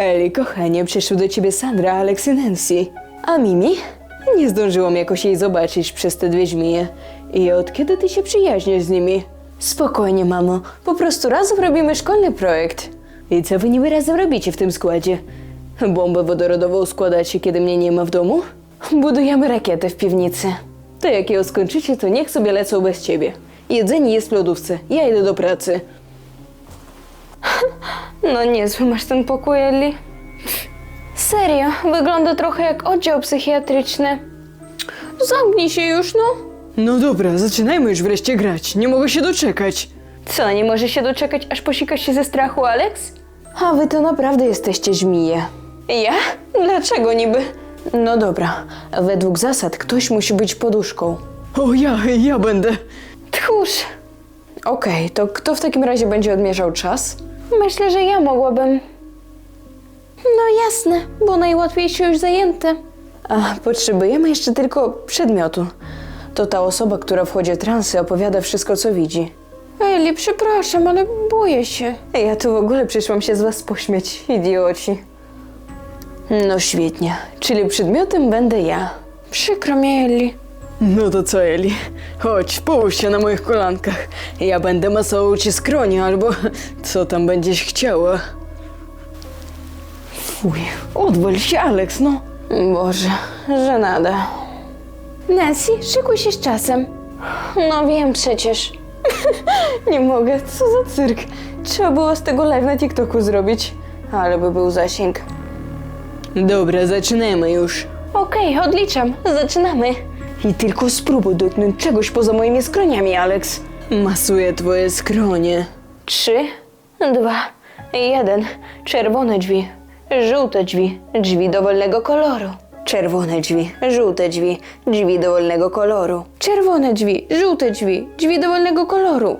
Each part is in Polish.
Eli, kochanie, przyszły do ciebie Sandra, Alex i Nancy. A Mimi? Nie zdążyłam jakoś jej zobaczyć przez te dwie żmije. I od kiedy ty się przyjaźnisz z nimi? Spokojnie, mamo. Po prostu razem robimy szkolny projekt. I co wy niby razem robicie w tym składzie? Bombę wodorodową składacie, kiedy mnie nie ma w domu? Budujemy rakietę w piwnicy. To jak ją skończycie, to niech sobie lecą bez ciebie. Jedzenie jest w lodówce. Ja idę do pracy. No niezły masz ten pokój, Eli. Serio, wygląda trochę jak oddział psychiatryczny. Zamknij się już, no. No dobra, zaczynajmy już wreszcie grać. Nie mogę się doczekać. Co, nie możesz się doczekać, aż posikasz się ze strachu, Alex? A wy to naprawdę jesteście żmije. Ja? Dlaczego niby? No dobra, według zasad ktoś musi być poduszką. O, ja będę. Tchórz. Okej, to kto w takim razie będzie odmierzał czas? Myślę, że ja mogłabym. No jasne, bo najłatwiejsze już zajęte. A, potrzebujemy jeszcze tylko przedmiotu. To ta osoba, która wchodzi w transy, opowiada wszystko, co widzi. Eli, przepraszam, ale boję się. Ja tu w ogóle przyszłam się z was pośmiać, idioci. No świetnie, czyli przedmiotem będę ja. Przykro mi, Eli. No to co, Eli? Chodź, połóż się na moich kolankach. Ja będę masował ci skronie, albo co tam będziesz chciała. Fuj, odwal się, Alex, no. Boże, żenada. Nancy, szykuj się z czasem. No wiem przecież. Nie mogę, co za cyrk. Trzeba było z tego live na TikToku zrobić. Ale by był zasięg. Dobra, zaczynamy już. Okej, odliczam. Zaczynamy. I tylko spróbuj dotknąć czegoś poza moimi skroniami, Alex. Masuję twoje skronie. 3, 2, 1. Czerwone drzwi, żółte drzwi, drzwi dowolnego koloru. Czerwone drzwi, żółte drzwi, drzwi dowolnego koloru. Czerwone drzwi, żółte drzwi, drzwi dowolnego koloru.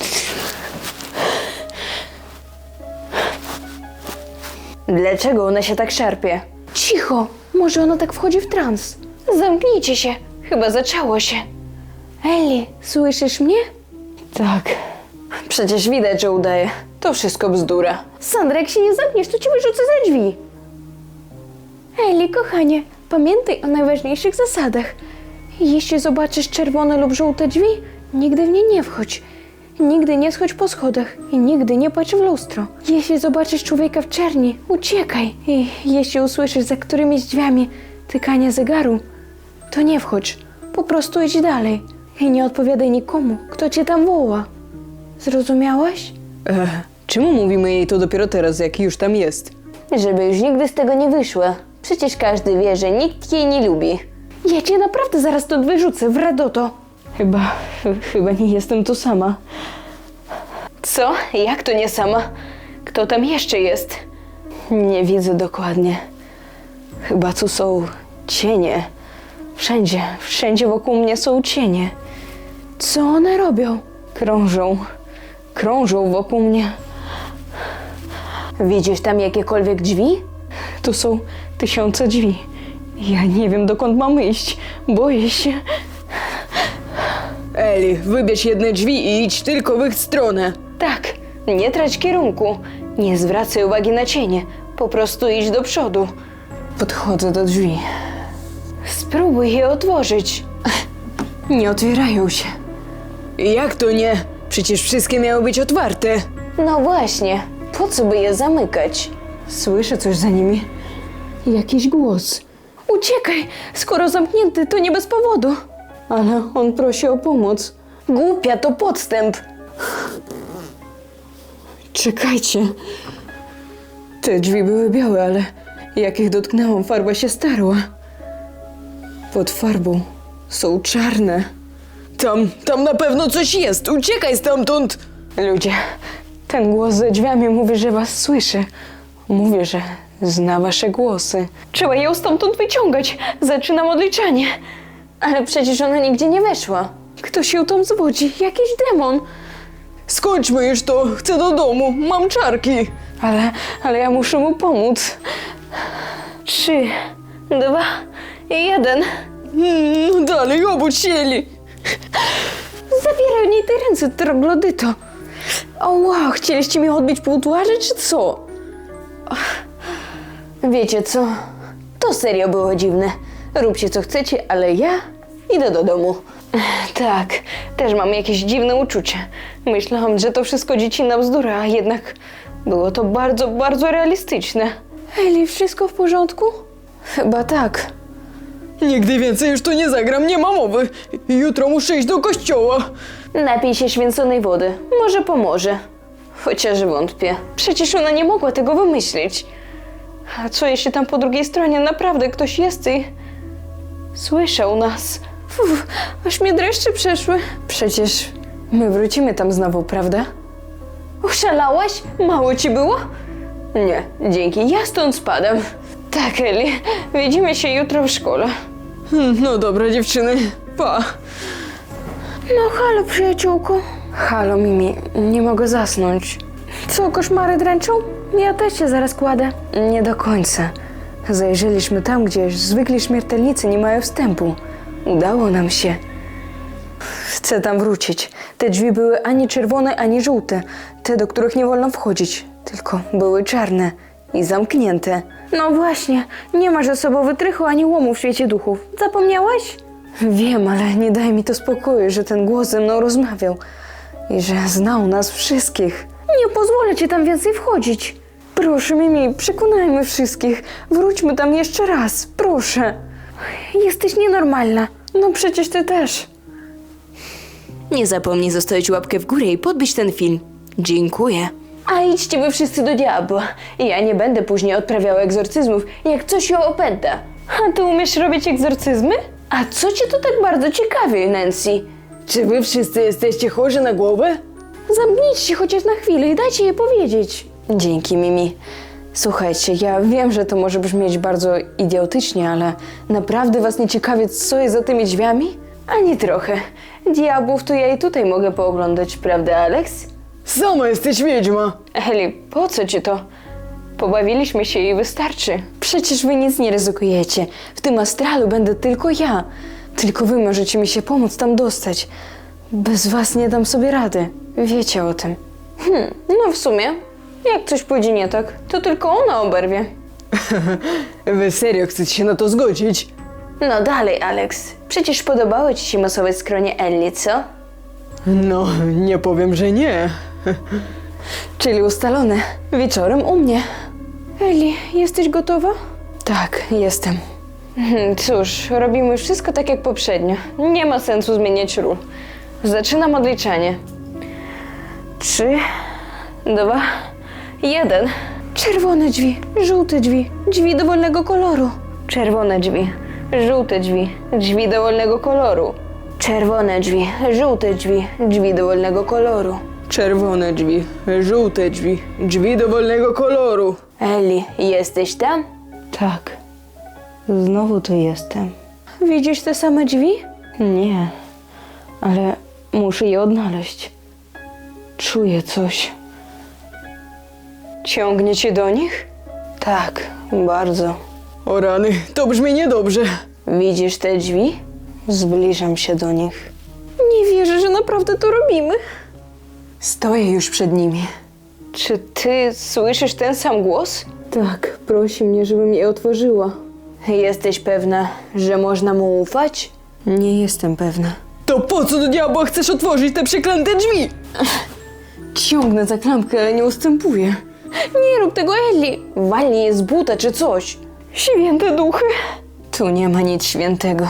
Dlaczego ona się tak szarpie? Cicho, może ona tak wchodzi w trans. Zamknijcie się, chyba zaczęło się. Eli, słyszysz mnie? Tak. Przecież widać, że udaje. To wszystko bzdura. Sandra, jak się nie zamkniesz, to cię wyrzucę za drzwi. Eli, kochanie, pamiętaj o najważniejszych zasadach. Jeśli zobaczysz czerwone lub żółte drzwi, nigdy w nie nie wchodź. Nigdy nie schodź po schodach i nigdy nie patrz w lustro. Jeśli zobaczysz człowieka w czerni, uciekaj. I jeśli usłyszysz za którymiś drzwiami tykanie zegaru, to nie wchodź. Po prostu idź dalej. I nie odpowiadaj nikomu, kto cię tam woła. Zrozumiałaś? Czemu mówimy jej to dopiero teraz, jak już tam jest? Żeby już nigdy z tego nie wyszła. Przecież każdy wie, że nikt jej nie lubi. Ja cię naprawdę zaraz stąd wyrzucę, w radoto. Chyba nie jestem tu sama. Co? Jak to nie sama? Kto tam jeszcze jest? Nie widzę dokładnie. Chyba tu są cienie. Wszędzie wokół mnie są cienie. Co one robią? Krążą wokół mnie. Widzisz tam jakiekolwiek drzwi? Tu są tysiące drzwi. Ja nie wiem, dokąd mam iść. Boję się. Eli, wybierz jedne drzwi i idź tylko w ich stronę. Tak, nie trać kierunku. Nie zwracaj uwagi na cienie. Po prostu idź do przodu. Podchodzę do drzwi. Spróbuj je otworzyć. Nie otwierają się. Jak to nie? Przecież wszystkie miały być otwarte. No właśnie. Po co by je zamykać? Słyszę coś za nimi. Jakiś głos. Uciekaj! Skoro zamknięty, to nie bez powodu. Ale on prosi o pomoc. Głupia, to podstęp. Czekajcie. Te drzwi były białe, ale jak ich dotknęłam, farba się starła. Pod farbą są czarne. Tam na pewno coś jest! Uciekaj stamtąd! Ludzie, ten głos za drzwiami mówi, że was słyszy. Mówi, że zna wasze głosy. Trzeba ją stamtąd wyciągać. Zaczynam odliczanie. Ale przecież ona nigdzie nie weszła. Ktoś ją tam zwodzi. Jakiś demon. Skończmy już to. Chcę do domu. Mam czarki. Ale ja muszę mu pomóc. 3, 2, 1. Dalej, obudź się, Eli. Zabieraj od niej te ręce, troglodyto. O wow, chcieliście mi odbić pół twarzy, czy co? Wiecie co? To serio było dziwne. Róbcie co chcecie, ale ja idę do domu. Tak, też mam jakieś dziwne uczucie. Myślałam, że to wszystko dziecinna bzdura, a jednak było to bardzo, bardzo realistyczne. Eli, wszystko w porządku? Chyba tak. Nigdy więcej już tu nie zagram, nie ma mowy. Jutro muszę iść do kościoła. Napij się święconej wody. Może pomoże. Chociaż wątpię. Przecież ona nie mogła tego wymyślić. A co jeśli tam po drugiej stronie naprawdę ktoś jest i słyszał nas? Aż mnie dreszcze przeszły. Przecież my wrócimy tam znowu, prawda? Oszalałaś? Mało ci było? Nie, dzięki. Ja stąd spadam. Tak, Eli. Widzimy się jutro w szkole. No dobra, dziewczyny, pa. No halo, przyjaciółko. Halo, Mimi. Nie mogę zasnąć. Co, koszmary dręczą? Ja też się zaraz kładę. Nie do końca. Zajrzeliśmy tam, gdzie zwykli śmiertelnicy nie mają wstępu. Udało nam się. Chcę tam wrócić. Te drzwi były ani czerwone, ani żółte. Te, do których nie wolno wchodzić. Tylko były czarne i zamknięte. No właśnie. Nie ma ze sobą wytrychu ani łomu w świecie duchów. Zapomniałaś? Wiem, ale nie daj mi to spokoju, że ten głos ze mną rozmawiał. I że znał nas wszystkich. Nie pozwolę ci tam więcej wchodzić. Proszę, Mimi, przekonajmy wszystkich. Wróćmy tam jeszcze raz, proszę. Jesteś nienormalna. No przecież ty też. Nie zapomnij zostawić łapkę w górę i podbić ten film. Dziękuję. A idźcie wy wszyscy do diabła. Ja nie będę później odprawiała egzorcyzmów, jak coś ją opęta. A ty umiesz robić egzorcyzmy? A co cię to tak bardzo ciekawi, Nancy? Czy wy wszyscy jesteście chorzy na głowę? Zamknijcie się chociaż na chwilę i dajcie je powiedzieć. Dzięki, Mimi. Słuchajcie, ja wiem, że to może brzmieć bardzo idiotycznie, ale naprawdę was nie ciekawi, co jest za tymi drzwiami? Ani trochę. Diabłów to ja i tutaj mogę pooglądać, prawda, Alex? Sama jesteś wiedźma. Eli, po co ci to? Pobawiliśmy się i wystarczy. Przecież wy nic nie ryzykujecie. W tym astralu będę tylko ja. Tylko wy możecie mi się pomóc tam dostać. Bez was nie dam sobie rady. Wiecie o tym. No w sumie, jak coś pójdzie nie tak, to tylko ona oberwie. Wy serio chcecie się na to zgodzić? No dalej, Alex. Przecież podobało ci się masować skronie Ellie, co? No, nie powiem, że nie. Czyli ustalone. Wieczorem u mnie. Eli, jesteś gotowa? Tak, jestem. Cóż, robimy wszystko tak jak poprzednio. Nie ma sensu zmieniać ról. Zaczynam odliczanie. 3, 2, 1. Czerwone drzwi, żółte drzwi, drzwi dowolnego koloru. Czerwone drzwi, żółte drzwi, drzwi dowolnego koloru. Czerwone drzwi, żółte drzwi, drzwi dowolnego koloru. Czerwone drzwi, żółte drzwi, drzwi dowolnego koloru. Eli, jesteś tam? Tak. Znowu tu jestem. Widzisz te same drzwi? Nie, ale muszę je odnaleźć. Czuję coś. Ciągnie cię do nich? Tak, bardzo. O rany, to brzmi niedobrze. Widzisz te drzwi? Zbliżam się do nich. Nie wierzę, że naprawdę to robimy. Stoję już przed nimi. Czy ty słyszysz ten sam głos? Tak, prosi mnie, żebym je otworzyła. Jesteś pewna, że można mu ufać? Nie jestem pewna. To po co do diabła chcesz otworzyć te przeklęte drzwi? Ciągnę za klamkę, ale nie ustępuję. Nie rób tego, Ellie! Walnij je z buta czy coś. Święte duchy! Tu nie ma nic świętego.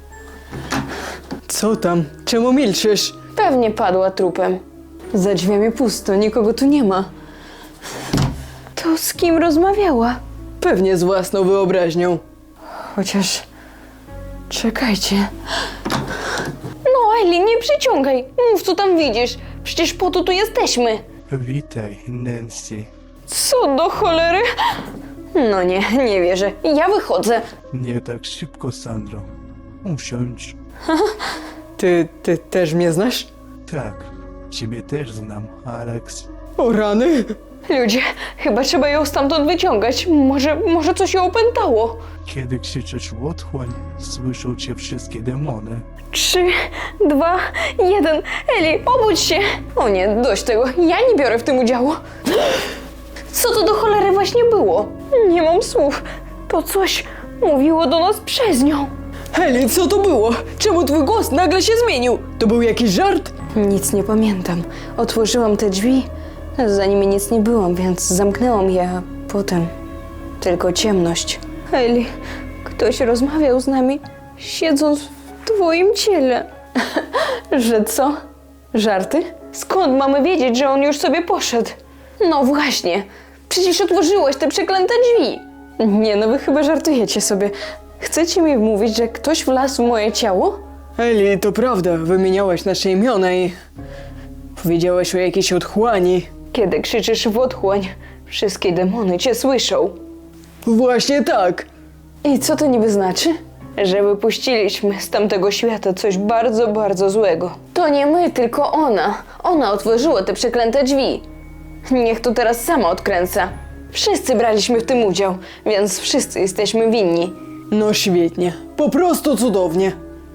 Co tam? Czemu milczysz? Pewnie padła trupem. Za drzwiami pusto, nikogo tu nie ma. To z kim rozmawiała? Pewnie z własną wyobraźnią. Chociaż... Czekajcie. No, Ellie, nie przyciągaj. Mów, co tam widzisz. Przecież po to tu jesteśmy. Witaj, Nancy. Co do cholery? No nie wierzę. Ja wychodzę. Nie tak szybko, Sandro. Usiądź. Ty też mnie znasz? Tak, ciebie też znam, Alex. O rany! Ludzie, chyba trzeba ją stamtąd wyciągać. Może coś ją opętało. Kiedy krzyczysz otchłań, słyszą cię wszystkie demony. 3, 2, 1. Eli, obudź się! O nie, dość tego. Ja nie biorę w tym udziału. Co to do cholery właśnie było? Nie mam słów. To coś mówiło do nas przez nią. Eli, co to było? Czemu twój głos nagle się zmienił? To był jakiś żart? Nic nie pamiętam. Otworzyłam te drzwi, za nimi nic nie było, więc zamknęłam je, a potem tylko ciemność. Eli, ktoś rozmawiał z nami, siedząc w twoim ciele. Że co? Żarty? Skąd mamy wiedzieć, że on już sobie poszedł? No właśnie, przecież otworzyłeś te przeklęte drzwi. Nie, no wy chyba żartujecie sobie. Chcecie mi mówić, że ktoś wlazł w moje ciało? Eli, to prawda, wymieniałaś nasze imiona i powiedziałaś o jakiejś otchłani. Kiedy krzyczysz w otchłań, wszystkie demony cię słyszą. Właśnie tak. I co to niby znaczy? Że wypuściliśmy z tamtego świata coś bardzo, bardzo złego. To nie my, tylko ona. Ona otworzyła te przeklęte drzwi. Niech to teraz sama odkręca. Wszyscy braliśmy w tym udział, więc wszyscy jesteśmy winni. No świetnie, po prostu cudownie.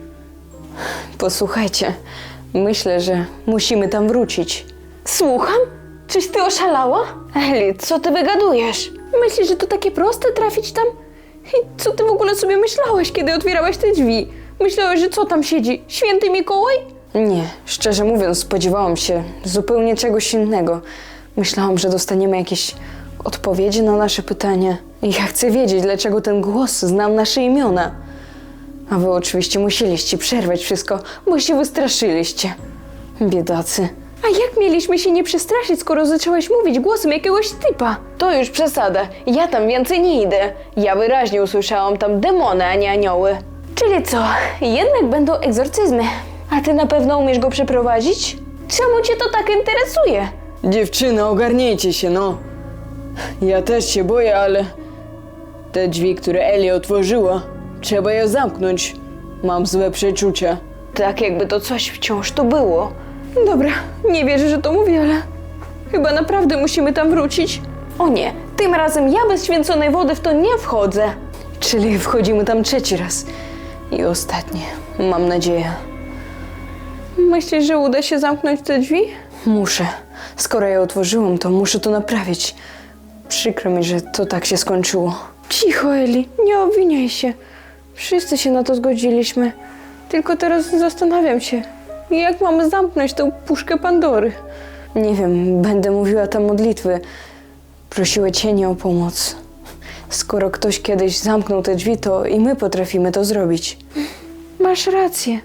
Posłuchajcie, myślę, że musimy tam wrócić. Słucham? Czyś ty oszalała? Eli, co ty wygadujesz? Myślisz, że to takie proste trafić tam? I co ty w ogóle sobie myślałeś, kiedy otwierałeś te drzwi? Myślałeś, że co tam siedzi? Święty Mikołaj? Nie, szczerze mówiąc, spodziewałam się zupełnie czegoś innego. Myślałam, że dostaniemy jakieś odpowiedzi na nasze pytania. I ja chcę wiedzieć, dlaczego ten głos znał nasze imiona. A wy oczywiście musieliście przerwać wszystko, bo się wystraszyliście. Biedacy. A jak mieliśmy się nie przestraszyć, skoro zaczęłaś mówić głosem jakiegoś typa? To już przesada. Ja tam więcej nie idę. Ja wyraźnie usłyszałam tam demony, a nie anioły. Czyli co? Jednak będą egzorcyzmy. A ty na pewno umiesz go przeprowadzić? Czemu cię to tak interesuje? Dziewczyny, ogarnijcie się, no. Ja też się boję, ale te drzwi, które Eli otworzyła, trzeba je zamknąć. Mam złe przeczucia. Tak jakby to coś wciąż tu było. Dobra, nie wierzę, że to mówię, ale chyba naprawdę musimy tam wrócić. O nie, tym razem ja bez święconej wody w to nie wchodzę. Czyli wchodzimy tam trzeci raz. I ostatni, mam nadzieję. Myślisz, że uda się zamknąć te drzwi? Muszę. Skoro je otworzyłam, to muszę to naprawić. Przykro mi, że to tak się skończyło. Cicho, Eli, nie obwiniaj się. Wszyscy się na to zgodziliśmy. Tylko teraz zastanawiam się, jak mamy zamknąć tę puszkę Pandory. Nie wiem, będę mówiła tam modlitwy. Prosiła Cienie o pomoc. Skoro ktoś kiedyś zamknął te drzwi, to i my potrafimy to zrobić. Masz rację.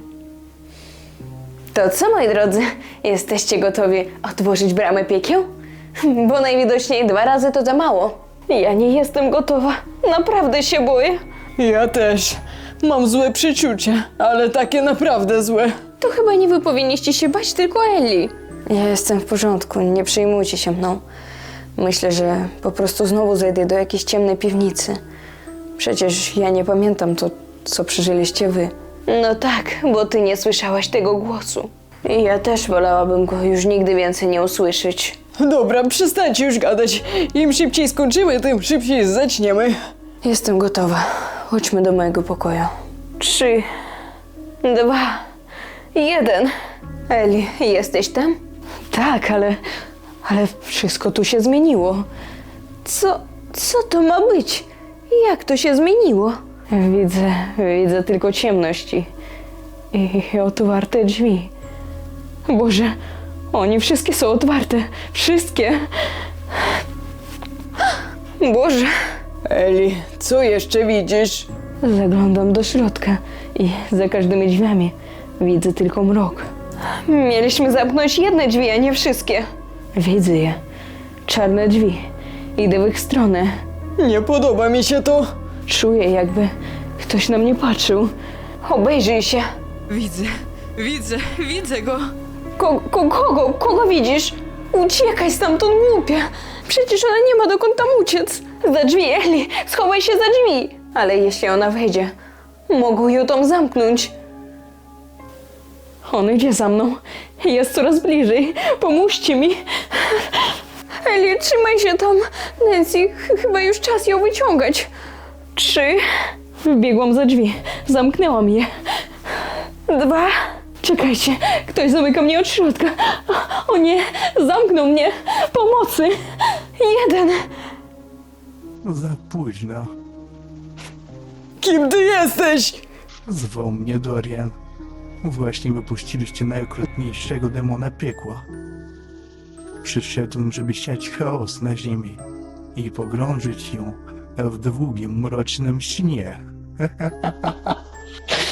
To co, moi drodzy? Jesteście gotowi otworzyć bramę piekieł? Bo najwidoczniej 2 razy to za mało. Ja nie jestem gotowa. Naprawdę się boję. Ja też. Mam złe przeczucia, ale takie naprawdę złe. To chyba nie wy powinniście się bać, tylko Eli. Ja jestem w porządku, nie przejmujcie się mną. Myślę, że po prostu znowu zejdę do jakiejś ciemnej piwnicy. Przecież ja nie pamiętam to, co przeżyliście wy. No tak, bo ty nie słyszałaś tego głosu. I ja też wolałabym go już nigdy więcej nie usłyszeć. Dobra, przestańcie już gadać. Im szybciej skończymy, tym szybciej zaczniemy. Jestem gotowa. Chodźmy do mojego pokoju. 3, 2, 1. Eli, jesteś tam? Tak, ale wszystko tu się zmieniło. Co to ma być? Jak to się zmieniło? Widzę tylko ciemności i otwarte drzwi. Boże, oni wszystkie są otwarte. Wszystkie. Boże. Eli, co jeszcze widzisz? Zaglądam do środka i za każdymi drzwiami widzę tylko mrok. Mieliśmy zamknąć jedne drzwi, a nie wszystkie. Widzę je. Czarne drzwi. Idę w ich stronę. Nie podoba mi się to. Czuję, jakby ktoś na mnie patrzył. Obejrzyj się. Widzę go. Kogo widzisz? Uciekaj stamtąd, głupia. Przecież ona nie ma dokąd tam uciec. Za drzwi, Eli, schowaj się za drzwi. Ale jeśli ona wejdzie, mogą ją tam zamknąć. On idzie za mną. Jest coraz bliżej. Pomóżcie mi. Eli, trzymaj się tam. Nancy, chyba już czas ją wyciągać. 3. Wbiegłam za drzwi. Zamknęłam je. 2. Czekajcie, ktoś zamyka mnie od środka. O nie, zamknął mnie. Pomocy. 1. Za późno. Kim ty jesteś? Zwał mnie Dorian. Właśnie wypuściliście najokrutniejszego demona piekła. Przyszedłem, żeby siać chaos na ziemi i pogrążyć ją w długim, mrocznym śnie.